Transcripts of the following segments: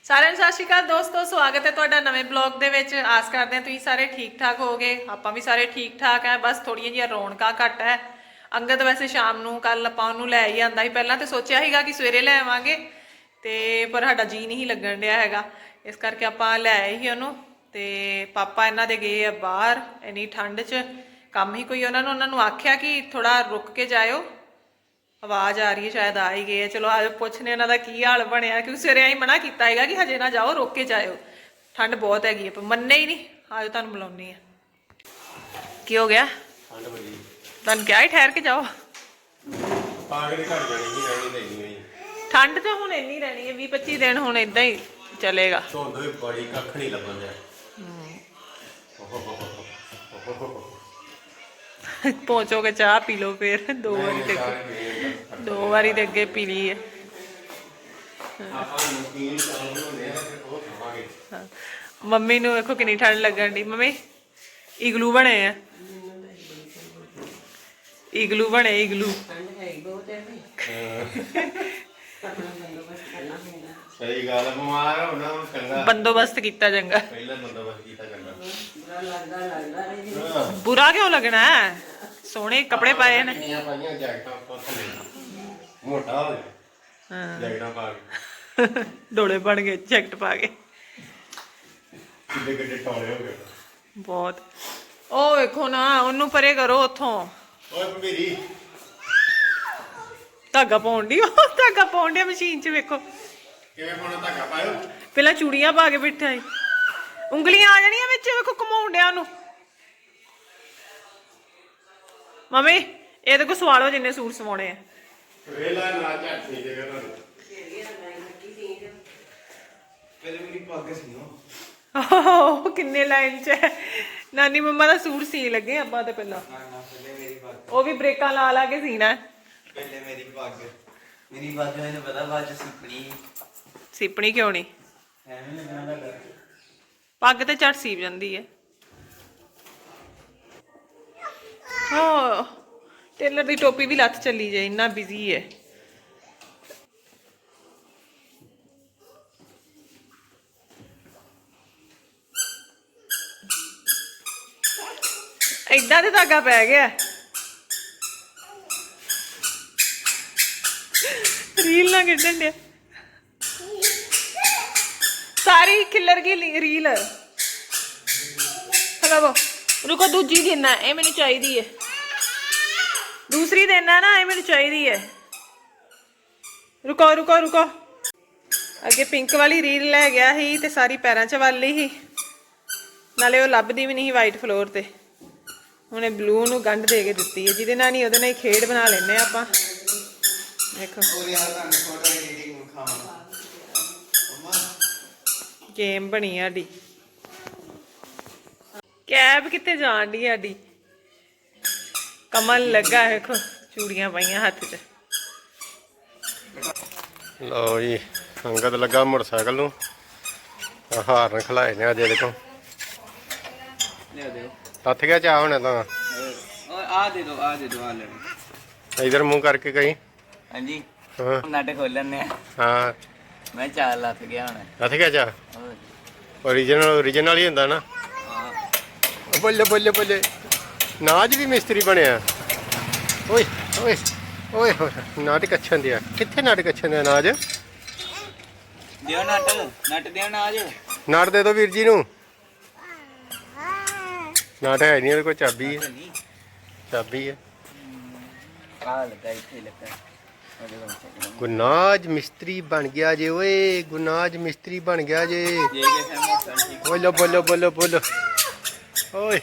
ਸਾਰਿਆਂ ਨੂੰ ਸਤਿ ਸ਼੍ਰੀ ਅਕਾਲ ਦੋਸਤੋ, ਸਵਾਗਤ ਹੈ ਤੁਹਾਡਾ ਨਵੇਂ ਬਲੌਗ ਦੇ ਵਿੱਚ। ਆਸ ਕਰਦੇ ਹਾਂ ਤੁਸੀਂ ਸਾਰੇ ਠੀਕ ਠਾਕ ਹੋਗੇ। ਆਪਾਂ ਵੀ ਸਾਰੇ ਠੀਕ ਠਾਕ ਹੈ, ਬਸ ਥੋੜੀਆਂ ਜਿਹੀਆਂ ਰੌਣਕਾਂ ਘੱਟ ਹੈ। ਅੰਗਦ ਵੈਸੇ ਸ਼ਾਮ ਨੂੰ ਕੱਲ ਆਪਾਂ ਉਹਨੂੰ ਲੈ ਹੀ ਆਂਦਾ ਸੀ। ਪਹਿਲਾਂ ਤਾਂ ਸੋਚਿਆ ਸੀਗਾ ਕਿ ਸਵੇਰੇ ਲੈ ਆਵਾਂਗੇ ਤੇ ਪਰ ਸਾਡਾ ਜੀ ਨਹੀਂ ਲੱਗਣ ਡਿਆ ਹੈਗਾ, ਇਸ ਕਰਕੇ ਆਪਾਂ ਲੈ ਆਏ ਸੀ ਉਹਨੂੰ। ਤੇ ਪਾਪਾ ਇਹਨਾਂ ਦੇ ਗਏ ਆ ਬਾਹਰ ਇੰਨੀ ਠੰਡ 'ਚ, ਕੰਮ ਹੀ ਕੋਈ ਉਹਨਾਂ ਨੂੰ ਆਖਿਆ ਕਿ ਥੋੜਾ ਰੁਕ ਕੇ ਜਾਇਓ। ਆਵਾਜ਼ ਆ ਰਹੀ ਹੈ, ਸ਼ਾਇਦ ਆ ਹੀ ਗਏ। ਚਲੋ ਆਜੋ ਪੁੱਛਨੇ ਇਹਨਾਂ ਦਾ ਕੀ ਹਾਲ ਬਣਿਆ, ਕਿਉਂਕਿ ਸਵੇਰੇ ਅਸੀਂ ਮਨਾ ਕੀਤਾ ਹੈਗਾ ਕਿ ਹਜੇ ਨਾ ਜਾਓ, ਰੁਕ ਕੇ ਜਾਇਓ, ਠੰਡ ਬਹੁਤ ਹੈਗੀ ਹੈ। ਪਰ ਮੰਨੇ ਹੀ ਨਹੀਂ। ਆਜੋ ਤੁਹਾਨੂੰ ਬੁਲਾਉਣੀ ਆ। ਕੀ ਹੋ ਗਿਆ? ਤੁਹਾਨੂੰ ਕਿਹਾ ਹੀ ਠਹਿਰ ਕੇ ਜਾਓ। ਠੰਡ ਤਾਂ ਹੁਣ ਇੰਨੀ ਰਹਿਣੀ ਹੈ, 20-25 ਦਿਨ ਹੁਣ ਏਦਾਂ ਹੀ ਚਲੇਗਾ। ਪਹੁੰਚੋਗੇ ਚਾਹ ਪੀ ਲਓ ਫਿਰ। ਦੋ ਵਾਰੀ ਤੇ ਅੱਗੇ ਪੀ ਲਈ ਹੈ। ਮੰਮੀ ਨੂੰ ਵੇਖੋ ਕਿੰਨੀ ਠੰਡ ਲੱਗਣ ਦੀ। ਮੰਮੀ ਇਗਲੂ ਬਣੇ ਆ, ਇਗਲੂ ਬਣੇ, ਇਗਲੂ। ਸਹੀ ਗੱਲ ਹੈ, ਬਿਮਾਰ ਹੋਣਾ ਹੁਣ ਚੰਗਾ ਬੰਦੋਬਸਤ ਕੀਤਾ ਚੰਗਾ। ਪਹਿਲਾਂ ਬੰਦੋਬਸਤ ਕੀਤਾ ਚੰਗਾ। ਬੁਰਾ ਕਿਉਂ ਲੱਗਣਾ ਹੈ? ਸੋਹਣੇ ਕੱਪੜੇ ਪਾਏ ਨੇ। ਮੋਟਾ ਹੋ ਗਿਆ ਜੈਕਟਾਂ ਪਾ ਕੇ, ਡੋਲੇ ਬਣ ਗਏ ਜੈਕਟ ਪਾ ਕੇ। ਕਿੱਡੇ ਕਿੱਡੇ ਟੋਲੇ ਹੋ ਗਏ ਬਹੁਤ। ਉਹ ਵੇਖੋ ਨਾ, ਉਹਨੂੰ ਪਰੇ ਕਰੋ ਉੱਥੋਂ। ਓਏ ਭੰਬੀਰੀ ਧਾਗਾ ਪਾਉਣ ਦੀ, ਉਹ ਧਾਗਾ ਪਾਉਣ ਦੀ ਮਸ਼ੀਨ 'ਚ। ਵੇਖੋ ਕਿਵੇਂ ਪਾਉਣਾ ਧਾਗਾ ਪਾਇਓ। ਪਹਿਲਾਂ ਚੂੜੀਆਂ ਪਾ ਕੇ ਬਿਠਾ ਸੀ, ਉਂਗਲੀਆਂ ਆ ਜਾਣੀਆਂ ਵਿੱਚ। ਵੇਖੋ ਘੁਮਾਉਣ ਡਿਆ ਉਹਨੂੰ। ਮੰਮੀ ਇਹਦੇ ਕੋਲ ਸਵਾਲੋ ਜਿੰਨੇ ਸੂਟ ਸਵਾਉਣੇ ਆ। ਵੇਲਾ ਨਾ ਝੱਟ ਸੀ ਜੇਗਾ ਤੁਹਾਨੂੰ। ਪਹਿਲੇ ਮੇਰੀ ਪੱਗ ਸੀ ਉਹ ਕਿੰਨੇ ਲਾਈਨ 'ਚ ਹੈ। ਨਾਨੀ ਮੰਮਾ ਦਾ ਸੂਟ ਸੀ ਲੱਗੇ ਆਪਾਂ ਤੇ ਪਹਿਲਾਂ। ਉਹ ਵੀ ਬ੍ਰੇਕਾਂ ਲਾ ਲਾ ਕੇ ਸੀਣਾ। ਪਹਿਲੇ ਮੇਰੀ ਪੱਗ ਮੈਨੂੰ ਪਤਾ ਬਾਅਦ ਚ ਸਿੱਪਣੀ ਕਿਉਂ ਨਹੀਂ? ਐਵੇਂ ਲੱਗਣਾ ਦਾ ਡਰ। ਪੱਗ ਤੇ ਝੱਟ ਸੀਪ ਜਾਂਦੀ ਹੈ। ਹਾਂ, ਟੇਲਰ ਦੀ ਟੋਪੀ ਵੀ ਲੱਥ ਚੱਲੀ ਜੇ, ਇੰਨਾ ਬਿਜ਼ੀ ਹੈ। ਏਦਾਂ ਤੇ ਧਾਗਾ ਪੈ ਗਿਆ। ਰੀਲ ਨਾ ਖੇਡਣ ਡਿਆ, ਸਾਰੀ ਖਿੱਲਰ ਗਈ ਰੀਲ। ਹਲੋ ਰੁਕੋ, ਦੂਜੀ ਦੇਣਾ, ਇਹ ਮੈਨੂੰ ਚਾਹੀਦੀ ਹੈ। ਦੂਸਰੀ ਦੇਣਾ ਨਾ, ਇਹ ਮੈਨੂੰ ਚਾਹੀਦੀ ਹੈ। ਰੁਕੋ ਰੁਕੋ ਰੁਕੋ। ਅੱਗੇ ਪਿੰਕ ਵਾਲੀ ਰੀਲ ਲੈ ਗਿਆ ਸੀ ਤੇ ਸਾਰੀ ਪੈਰਾਂ 'ਚ ਵੱਲ ਲਈ ਸੀ, ਨਾਲੇ ਉਹ ਲੱਭਦੀ ਵੀ ਨਹੀਂ ਸੀ ਵਾਈਟ ਫਲੋਰ ਤੇ। ਉਹਨੇ ਬਲੂ ਨੂੰ ਗੰਢ ਦੇ ਕੇ ਦਿੱਤੀ ਹੈ, ਜਿਹਦੇ ਨਾਲ ਨਹੀਂ ਉਹਦੇ ਨਾਲ ਹੀ ਖੇਡ ਬਣਾ ਲੈਂਦੇ ਆਪਾਂ। ਦੇਖੋ ਗੇਮ ਬਣੀ ਸਾਡੀ। ਕੈਬ ਕਿੱਥੇ ਜਾਣ ਡਈ ਸਾਡੀ? ਕਮਲ ਲੱਗਾ, ਵੇਖੋ ਚੂੜੀਆਂ ਪਾਈਆਂ ਹੱਥ 'ਚ। ਲਓ ਜੀ, ਅੰਗਦ ਲੱਗਾ ਮੋਟਰਸਾਈਕਲ ਨੂੰ ਹਾਰਨ ਖਲਾਏ ਨੇ ਅਜੇ। ਦੇਖੋ ਲਿਆ ਦਿਓ। ਹੱਥ ਗਿਆ ਚਾਹ ਹੋਣਾ ਤਾਂ। ਆ ਦੇ ਦੋ ਆ ਲੈਣੀ। ਇਧਰ ਮੂੰਹ ਕਰਕੇ ਕਹੀਂ। ਹਾਂਜੀ ਹਾਂ ਨਟ ਖੋਲਣੇ ਆ। ਹਾਂ ਮੈਂ ਚਾਰ ਲੱਤ ਗਿਆ ਹੁਣ। ਹੱਥ ਗਿਆ ਚਾਹ। ਓਰੀਜਨਲ ਹੀ ਹੁੰਦਾ ਨਾ। ਬੱਲੇ ਬੱਲੇ ਬੱਲੇ, ਨਾਜ ਵੀ ਮਿਸਤਰੀ ਬਣਿਆ। ਓਏ ਓਏ ਓਏ ਹੋਏ, ਨਾਟਕ ਅੱਛਾ ਦਿਆ। ਕਿੱਥੇ ਨਾਟਕ ਅੱਛਾ ਦਿਆ? ਨਾਜ ਦਿਓ ਨਟ ਦਿਓ ਨਾਜ। ਨਾਟ ਦੇ ਦੋ ਵੀਰ ਜੀ ਨੂੰ। ਨਾਟ ਹੈ ਨਹੀਂ ਉਹਦੇ ਕੋਲ, ਚਾਬੀ ਹੈ। ਚਾਬੀ ਹੈ। ਆ ਲੱਗਾ ਇੱਥੇ ਲੱਗਾ। ਗੁਨਾਜ ਮਿਸਤਰੀ ਬਣ ਗਿਆ ਜੇ। ਓਏ ਗੁਨਾਜ ਮਿਸਤਰੀ ਬਣ ਗਿਆ ਜੇ। ਬੋਲੋ ਬੋਲੋ ਬੋਲੋ ਬੋਲੋ। ਓਏ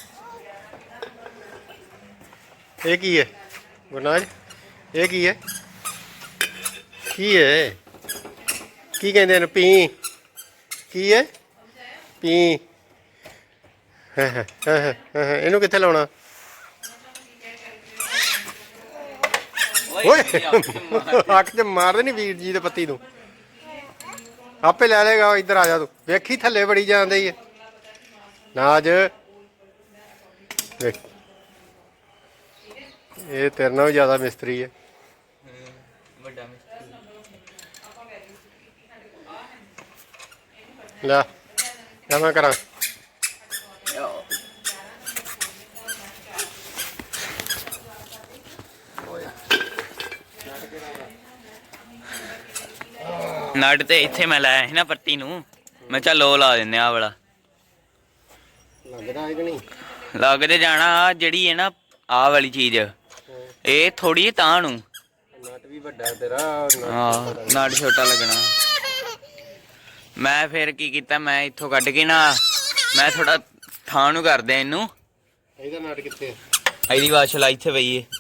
ਇਹ ਕੀ ਹੈ ਗੁਨਾਜ? ਇਹ ਕੀ ਹੈ? ਕੀ ਹੈ? ਕੀ ਕਹਿੰਦੇ ਨੇ? ਪੀ ਕੀ ਹੈ? ਪੀ। ਇਹਨੂੰ ਕਿੱਥੇ ਲਾਉਣਾ? ਓਏ ਅੱਖ ਤੇ ਮਾਰ ਦੇਣੀ ਵੀਰ ਜੀ ਦੇ ਪੱਤੀ ਨੂੰ। ਆਪੇ ਲੈ ਲੇਗਾ। ਇੱਧਰ ਆ ਜਾ ਤੂੰ। ਵੇਖੀ ਥੱਲੇ ਬੜੀ ਜਾਂਦੀ ਹੈ ਨਾਜ। ਵੇਖ ਇਹ ਤੇਰੇ ਨਾਲੋਂ ਵੀ ਜ਼ਿਆਦਾ ਮਿਸਤਰੀ ਹੈ। ਵੱਡਾ ਲੈ ਲੈ ਮੈਂ ਕਰਾਂ। ਨਟ ਤੇ ਇੱਥੇ ਮੈਂ ਲਾਇਆ ਸੀ ਨਾ ਪੱਟੀ ਨੂੰ, ਮੈਂ ਚੱਲ ਉਹ ਲਾ ਦਿੰਦੇ ਆ ਵਾਲਾ। ਲੱਗਦਾ ਹੈ ਕਿ ਨਹੀਂ? ਲੱਗ ਤੇ ਜਾਣਾ। ਆ ਜਿਹੜੀ ਹੈ ਨਾ ਆਹ ਵਾਲੀ ਚੀਜ਼, ਇਹ ਥੋੜੀ ਤਾਂ ਨੂੰ ਨਟ ਵੀ ਵੱਡਾ ਤੇਰਾ। ਹਾਂ ਨਟ ਛੋਟਾ ਲੱਗਣਾ। ਮੈਂ ਫਿਰ ਕੀ ਕੀਤਾ, ਮੈਂ ਇੱਥੋਂ ਕੱਢ ਕੇ ਨਾ ਮੈਂ ਥੋੜਾ ਥਾਂ ਨੂੰ ਕਰ ਦਿਆਂ ਇਹਨੂੰ। ਇਹਦਾ ਨਟ ਕਿੱਥੇ? ਇਹਦੀ ਵਾਸ਼ਲਾ ਇੱਥੇ ਪਈ ਏ।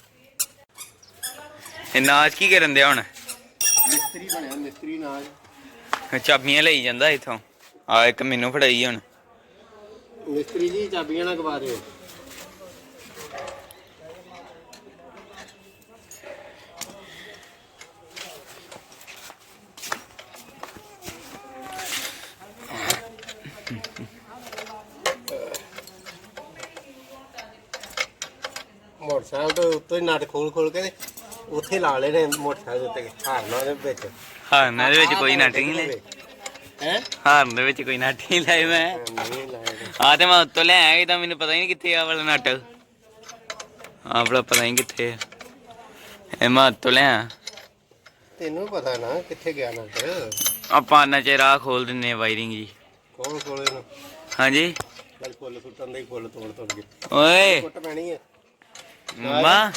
ਇਹ ਨਾਚ ਕੀ ਕਰਨ ਦਿਆ ਹੁਣ? ਮਿਸਤਰੀ ਬਣਿਆ, ਮਿਸਤਰੀ ਨਾਜ। ਚਾਬੀਆਂ ਲਈ ਜਾਂਦਾ ਇੱਥੋਂ। ਆ ਇੱਕ ਮੈਨੂੰ ਫੜਾਈ ਹੁਣ। ਮਿਸਤਰੀ ਜੀ ਚਾਬੀਆਂ ਨਾ ਗਵਾ ਦਿਓ। ਮੋਟਰਸਾਈਕਲ ਤੋਂ ਉੱਤੇ ਨਟ ਖੋਲ ਕੇ ਤੇ ਉੱਥੇ ਲਾ ਲੈਣੇ ਮੋਟਰਸਾਈਕਲ ਉੱਤੇ ਹਾਰਨਾ ਦੇ ਵਿੱਚ। ਹਾਰਨ ਦੇ ਵਿੱਚ ਕੋਈ ਨਟ ਨਹੀਂ ਲੈ। ਹੈ ਹਾਰਨ ਦੇ ਵਿੱਚ ਕੋਈ ਨਟ ਨਹੀਂ ਲਾਏ ਮੈਂ। ਨਹੀਂ ਲਾਇਆ। ਆ ਤੇ ਮੈਂ ਉੱਤੋਂ ਲੈ ਆਇਆ, ਤਾਂ ਮੈਨੂੰ ਪਤਾ ਹੀ ਨਹੀਂ ਕਿੱਥੇ ਆ ਵਾਲਾ ਨਟ। ਆਹ ਵਾਲਾ ਪਤਾ ਨਹੀਂ ਕਿੱਥੇ ਆ। ਇਹ ਮੈਂ ਉੱਤੋਂ ਲੈ ਆਇਆ। ਤੈਨੂੰ ਪਤਾ ਨਾ ਕਿੱਥੇ ਗਿਆ ਨਟ? ਆਪਾਂ ਨਾ ਚ ਰਾਹ ਖੋਲ ਦਿੰਨੇ ਆ ਵਾਇਰਿੰਗ ਜੀ। ਕੌਣ ਖੋਲੇ ਨੂੰ? ਹਾਂਜੀ ਚੱਲ ਫੁੱਲ ਸੁੱਟਣ ਦੇ ਫੁੱਲ ਤੋੜ ਕੇ ਓਏ ਕੁੱਟ ਪੈਣੀ ਹੈ। ਮੰਮਾ,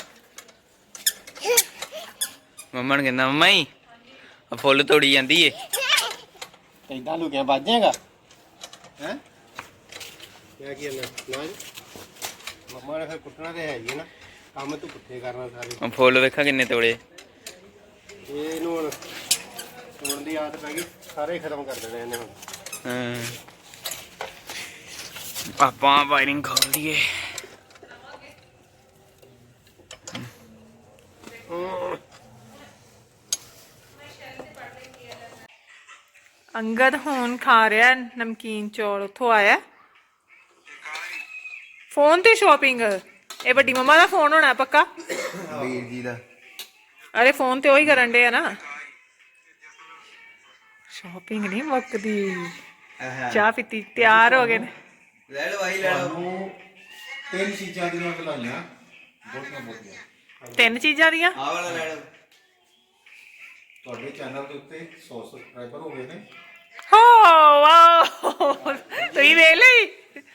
ਮੰਮਾ ਨੂੰ ਕਹਿੰਦਾ ਮੰਮਾ ਹੀ ਆ ਫੁੱਲ ਤੋੜੀ ਜਾਂਦੀ ਏ। ਏਦਾਂ ਲੁਕਿਆ ਵੱਜ ਜਾਏਗਾ ਹੈ? ਕਿਆ ਕੀ ਨਾ ਮੰਮਾ ਨੇ ਫਿਰ ਕੁੱਟਣਾ ਤੇ ਹੈ ਹੀ ਨਾ, ਕੰਮ ਤੂੰ ਪੁੱਠੇ ਕਰਨਾ ਸਾਰੇ। ਆ ਫੁੱਲ ਵੇਖਾਂ ਕਿੰਨੇ ਤੋੜੇ। ਇਹਨੂੰ ਹੁਣ ਤੋੜਨ ਦੀ ਆਦਤ ਪੈ ਗਈ, ਸਾਰੇ ਖਤਮ ਕਰ ਦੇਣੇ ਇਹਨੇ ਹੁਣ। ਹਾਂ ਆਪਾਂ ਵਾਇਰਿੰਗ ਖੋਲ ਦਈਏ। ਅੰਗਦ ਹੁਣ ਖਾ ਰਿਹਾ ਨਮਕੀਨ ਚੌਲ, ਉੱਥੋਂ ਆਇਆ ਫੋਨ ਤੇ ਸ਼ਾਪਿੰਗ। ਇਹ ਵੱਡੀ ਮੰਮਾ ਦਾ ਫੋਨ ਹੋਣਾ ਪੱਕਾ, ਵੀਰ ਜੀ ਦਾ। ਅਰੇ ਫੋਨ ਤੇ ਉਹੀ ਕਰਨ ਡੇ ਆ ਨਾ। ਸ਼ਾਪਿੰਗ ਨਹੀਂ ਮੁੱਕਦੀ। ਚਾਹ ਪੀਤੀ, ਤਿਆਰ ਹੋ ਗਏ ਨੇ। ਲੈ ਲਓ ਆਈ ਲੈ ਲਓ। ਤਿੰਨ ਚੀਜ਼ਾਂ ਦੀਆਂ ਵਧਾਈਆਂ ਬਹੁਤੀਆਂ। 3 ਚੀਜ਼ਾਂ ਦੀਆਂ। ਆਹ ਵਾਲਾ ਲੈ ਲਓ। ਤੁਹਾਡੇ ਚੈਨਲ ਦੇ ਉੱਤੇ 100 ਸਬਸਕ੍ਰਾਈਬਰ ਹੋ ਗਏ ਨੇ। ਹੋ ਵਾਓ, ਤੁਸੀਂ ਵੇਖ ਲਈ।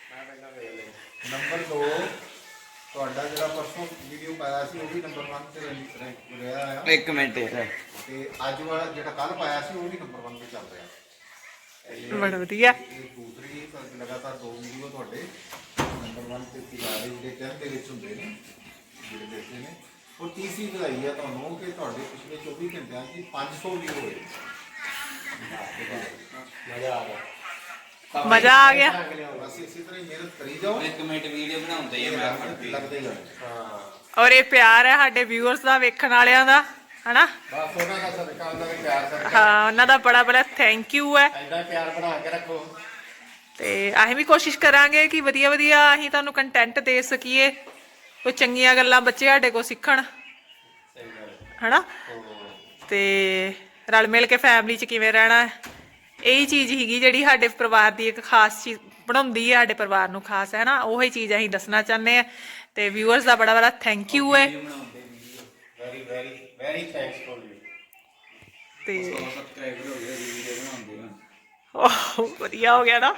ਨੰਬਰ 2, ਤੁਹਾਡਾ ਜਿਹੜਾ ਪਰਸੋਂ ਵੀਡੀਓ ਪਾਇਆ ਸੀ ਉਹ ਵੀ ਨੰਬਰ 1 ਤੇ ਰਿਹਾ ਆ। ਇੱਕ ਮਿੰਟ ਤੇ ਅੱਜ ਵਾਲਾ ਜਿਹੜਾ ਕੱਲ ਪਾਇਆ ਸੀ ਉਹ ਵੀ ਨੰਬਰ 1 ਤੇ ਚੱਲ ਰਿਹਾ। ਬੜਾ ਵਧੀਆ। ਇਹ ਦੂਸਰੀ ਲਗਾਤਾਰ 2 ਵੀਡੀਓ ਤੁਹਾਡੇ ਨੰਬਰ 1 ਤੇ ਪਿਲਾਰੇ ਜਿਹੜੇ ਚੈਨਲ ਦੇ ਵਿੱਚ ਹੁੰਦੇ ਨੇ, ਜਿਹੜੇ ਦੇਖਦੇ ਨੇ। ਔਰ ਤੀਸਰੀ ਵਧਾਈ ਆ ਤੁਹਾਨੂੰ ਕਿ ਤੁਹਾਡੇ ਪਿਛਲੇ 24 ਘੰਟਿਆਂ 'ਚ 500 ਵੀਡੀਓ ਹੋਏ। ਮਜ਼ਾ ਆ ਗਿਆ। ਮਜ਼ਾ ਆ ਗਿਆ। ਬਸ ਇਸੇ ਤਰ੍ਹਾਂ ਹੀ ਮਿਹਨਤ ਕਰੀ ਜਾਓ, ਇੱਕ ਮਿੰਟ ਵੀਡੀਓ ਬਣਾਉਂਦੇ ਹੀ ਮੈਂ ਫੜਦੀ। ਲੱਗਦੇ ਜਾਓ। ਹਾਂ ਔਰ ਇਹ ਪਿਆਰ ਹੈ ਸਾਡੇ ਵਿਊਅਰਸ ਦਾ, ਵੇਖਣ ਵਾਲਿਆਂ ਦਾ, ਹਨਾ। ਬਸ ਉਹਨਾਂ ਦਾ ਸਦਕਾ, ਉਹਨਾਂ ਦਾ ਪਿਆਰ ਸਦਕਾ ਹਾਂ, ਉਹਨਾਂ ਦਾ ਬੜਾ ਬੜਾ ਥੈਂਕ ਯੂ ਹੈ। ਐਡਾ ਪਿਆਰ ਬਣਾ ਕੇ ਰੱਖੋ। ਤੇ ਅਸੀਂ ਵੀ ਕੋਸ਼ਿਸ਼ ਕਰਾਂਗੇ ਕਿ ਵਧੀਆ ਵਧੀਆ ਅਸੀਂ ਤੁਹਾਨੂੰ ਕੰਟੈਂਟ ਦੇ ਸਕੀਏ, ਕੋਈ ਚੰਗੀਆਂ ਗੱਲਾਂ ਬੱਚੇ ਸਾਡੇ ਕੋਲ ਸਿੱਖਣ, ਹਨਾ। ਤੇ ਰਲ ਮਿਲ ਕੇ ਫੈਮਿਲੀ 'ਚ ਕਿਵੇਂ ਰਹਿਣਾ ਹੈ, ਇਹੀ ਚੀਜ਼ ਹੀਗੀ ਜਿਹੜੀ ਸਾਡੇ ਪਰਿਵਾਰ ਦੀ ਇੱਕ ਖਾਸ ਚੀਜ਼ ਬਣਾਉਂਦੀ ਹੈ, ਸਾਡੇ ਪਰਿਵਾਰ ਨੂੰ ਖਾਸ, ਹੈ ਨਾ। ਉਹੀ ਚੀਜ਼ ਅਸੀਂ ਦੱਸਣਾ ਚਾਹੁੰਦੇ ਹਾਂ। ਤੇ ਵਿਊਅਰਸ ਦਾ ਬੜਾ ਬੜਾ ਥੈਂਕ ਯੂ ਹੈ। Very very very thanks for you. ਤੇ ਸਬਸਕ੍ਰਾਈਬਰ ਹੋ ਗਏ ਵੀਡੀਓ ਬਣਾਉਂਦੇ ਹਾਂ। ਓਹ ਵਧੀਆ ਹੋ ਗਿਆ ਨਾ।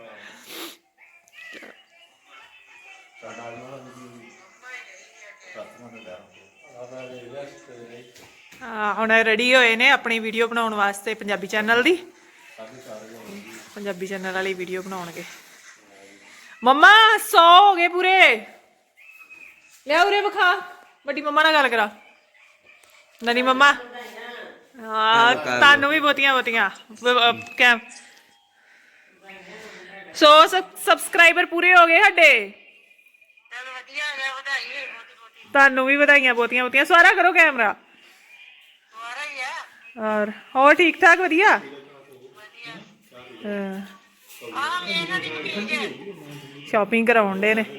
ਹੁਣ ਰੈਡੀ ਹੋਏ ਨੇ ਆਪਣੀ ਵੀਡੀਓ ਬਣਾਉਣ ਵਾਸਤੇ, ਪੰਜਾਬੀ ਚੈਨਲ ਦੀ। ਪੰਜਾਬੀ ਚੈਨਲ ਵਾਲੀ ਵੀਡੀਓ ਬਣਾਉਣਗੇ। ਮੰਮਾ 100 ਹੋ ਗਏ ਪੂਰੇ। ਲਿਆ ਉਰੇ ਵਿਖਾ, ਵੱਡੀ ਮੰਮਾ ਨਾਲ ਗੱਲ ਕਰਾ। ਨਨੀ ਮੰਮਾ, ਹਾਂ ਤੁਹਾਨੂੰ ਵੀ ਬਹੁਤੀਆਂ ਬਹੁਤੀਆਂ ਕੈਮ 100 ਸਬਸਕ੍ਰਾਈਬਰ ਪੂਰੇ ਹੋ ਗਏ ਸਾਡੇ। ਤੁਹਾਨੂੰ ਵੀ ਵਧਾਈਆਂ ਬਹੁਤੀਆਂ ਬਹੁਤੀਆਂ। ਸਾਰਾ ਕਰੋ ਕੈਮਰਾ। ਔਰ ਹੋਰ ਠੀਕ ਠਾਕ? ਵਧੀਆ। ਸ਼ਾਪਿੰਗ ਕਰਾਉਣ ਦੇ ਨੇ।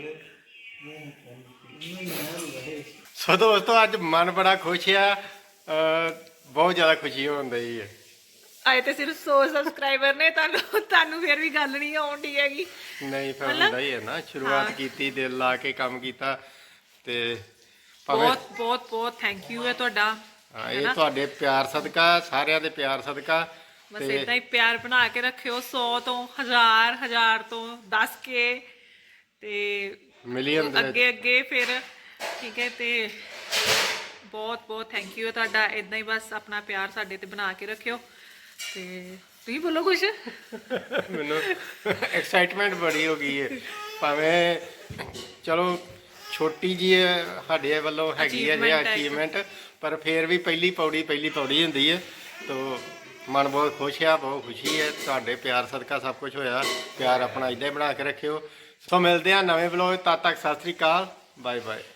ਸੋ ਦੋਸਤੋ ਅੱਜ ਮਨ ਬੜਾ ਖੁਸ਼ ਆ, ਬਹੁਤ ਜ਼ਿਆਦਾ ਖੁਸ਼ੀ ਹੋਣ ਡਈ ਹੈ। ਆਏ ਤੇ ਸਿਰਫ 100 ਸਬਸਕ੍ਰਾਈਬਰ ਨੇ, ਤੁਹਾਨੂੰ ਫਿਰ ਵੀ ਗੱਲ ਨਹੀਂ ਆਉਂਦੀ ਹੈਗੀ। ਨਹੀਂ ਫਿਰ ਹੁੰਦਾ ਹੀ ਹੈ ਨਾ, ਸ਼ੁਰੂਆਤ ਕੀਤੀ, ਦਿਲ ਲਾ ਕੇ ਕੰਮ ਕੀਤਾ ਤੇ ਭਾਵੇਂ ਬਹੁਤ ਬਹੁਤ ਬਹੁਤ ਥੈਂਕ ਯੂ ਹੈ ਤੁਹਾਡਾ। ਹਾਂ, ਇਹ ਤੁਹਾਡੇ ਪਿਆਰ ਸਦਕਾ, ਸਾਰਿਆਂ ਦੇ ਪਿਆਰ ਸਦਕਾ। ਬਸ ਇਦਾਂ ਹੀ ਪਿਆਰ ਬਣਾ ਕੇ ਰੱਖਿਓ, 100 ਤੋਂ 1000 ਤੋਂ 10 ਕੇ ਤੇ ਮਿਲੀਅਨ ਦੇ ਅੱਗੇ ਅੱਗੇ ਫਿਰ, ਠੀਕ ਹੈ। ਤੇ ਬਹੁਤ ਬਹੁਤ ਥੈਂਕ ਯੂ ਹੈ ਤੁਹਾਡਾ। ਇਦਾਂ ਹੀ ਬਸ ਆਪਣਾ ਪਿਆਰ ਸਾਡੇ ਤੇ ਬਣਾ ਕੇ ਰੱਖਿਓ। ਤੇ ਤੁਸੀਂ ਬੋਲੋ ਕੁਛ। ਮੈਨੂੰ ਐਕਸਾਈਟਮੈਂਟ ਬੜੀ ਹੋ ਗਈ ਹੈ, ਭਾਵੇਂ ਚਲੋ ਛੋਟੀ ਜੀ ਸਾਡੇ ਵੱਲੋਂ ਹੈਗੀ ਹੈ ਜੇ ਅਚੀਵਮੈਂਟ, ਪਰ ਫਿਰ ਵੀ ਪਹਿਲੀ ਪੌੜੀ ਹੁੰਦੀ ਹੈ। ਤੋ ਮਨ ਬਹੁਤ ਖੁਸ਼ ਆ, ਬਹੁਤ ਖੁਸ਼ੀ ਹੈ, ਤੁਹਾਡੇ ਪਿਆਰ ਸਦਕਾ ਸਭ ਕੁਝ ਹੋਇਆ। ਪਿਆਰ ਆਪਣਾ ਇੱਦਾਂ ਹੀ ਬਣਾ ਕੇ ਰੱਖਿਓ। ਸੋ ਮਿਲਦੇ ਆ ਨਵੇਂ ਵਲੋਗ, ਤਦ ਤੱਕ ਸਤਿ ਸ੍ਰੀ ਅਕਾਲ, ਬਾਏ ਬਾਏ।